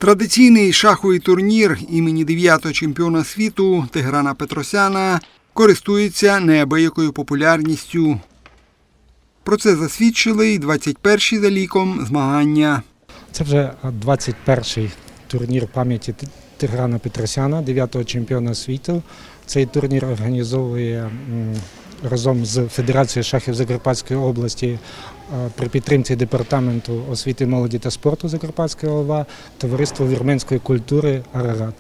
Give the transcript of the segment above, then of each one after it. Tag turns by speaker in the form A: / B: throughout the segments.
A: Традиційний шаховий турнір імені 9-го чемпіона світу Тиграна Петросяна користується неабиякою популярністю. Про це засвідчили й 21-й за ліком змагання.
B: Це вже 21-й турнір пам'яті Тиграна Петросяна, 9-го чемпіона світу. Цей турнір організовує разом з Федерацією шахів Закарпатської області при підтримці Департаменту освіти, молоді та спорту Закарпатської ОВА товариство вірменської культури «Арарат».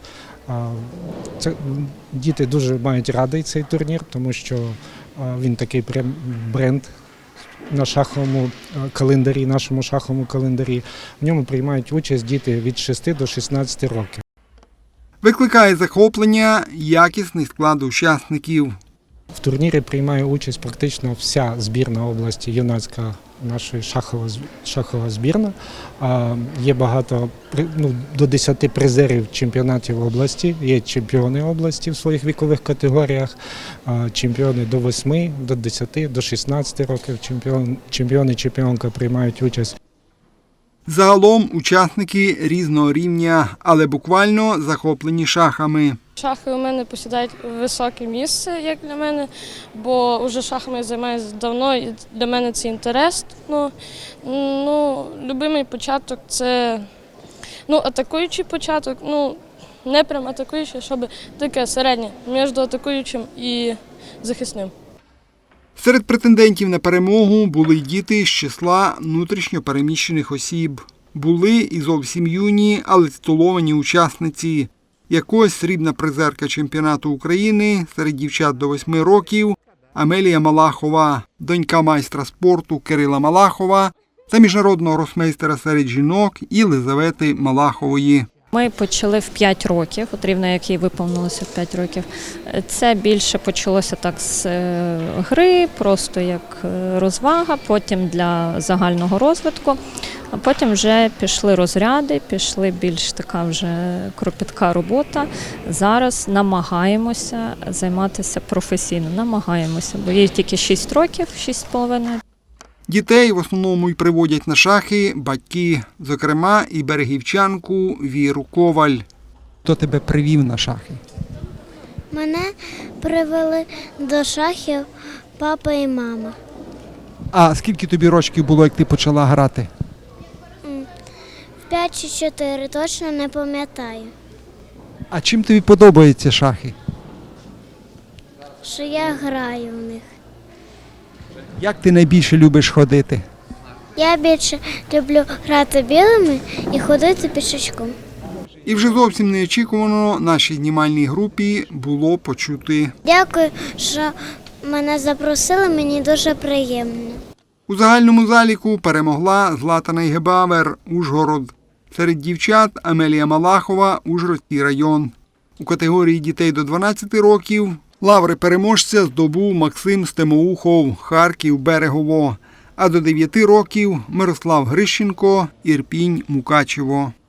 B: Діти дуже мають радий цей турнір, тому що він такий прям бренд на шаховому календарі, нашому шаховому календарі. В ньому приймають участь діти від 6 до 16 років.
A: Викликає захоплення якісний склад учасників.
B: В турнірі приймає участь практично вся збірна області, юнацька наша шахова збірна. Є багато, до 10 призерів чемпіонатів області, є чемпіони області в своїх вікових категоріях, чемпіони до 8, до 10, до 16 років, чемпіони, чемпіонка приймають участь.
A: Загалом учасники різного рівня, але буквально захоплені шахами.
C: Шахи у мене посідають високе місце, як для мене, бо вже шахами я займаюся давно, і для мене це інтерес. Любимий початок – це атакуючий початок, не прям атакуючий, щоб таке середнє, між атакуючим і захисним.
A: Серед претендентів на перемогу були й діти з числа внутрішньо переміщених осіб. Були і зовсім юні, але титуловані учасниці. Як ось срібна призерка чемпіонату України серед дівчат до 8 років Амелія Малахова, донька майстра спорту Кирила Малахова та міжнародного гросмейстера серед жінок Єлизавети Малахової.
D: Ми почали в 5 років, от рівно як їй виповнилося в 5 років. Це більше почалося так з гри, просто як розвага, потім для загального розвитку. А потім вже пішли розряди, пішли більш така вже кропітка робота. Зараз намагаємося займатися професійно, бо їй тільки 6 років, 6,5.
A: Дітей в основному й приводять на шахи батьки, зокрема і берегівчанку Віру Коваль. Хто тебе привів на шахи?
E: Мене привели до шахів папа і мама.
A: А скільки тобі років було, як ти почала грати?
E: 5 чи 4, точно не пам'ятаю.
A: А чим тобі подобаються шахи?
E: Що я граю в них.
A: Як ти найбільше любиш ходити?
E: Я більше люблю грати білими і ходити пішечком.
A: І вже зовсім неочікувано нашій знімальній групі було почути.
E: Дякую, що мене запросили, мені дуже приємно.
A: У загальному заліку перемогла Злата Найгебавер, Ужгород. Серед дівчат Амелія Малахова, Ужгородський район. У категорії дітей до 12 років лаври переможця здобув Максим Стемоухов, Харків, Берегово. А до 9 років Мирослав Грищенко, Ірпінь, Мукачево.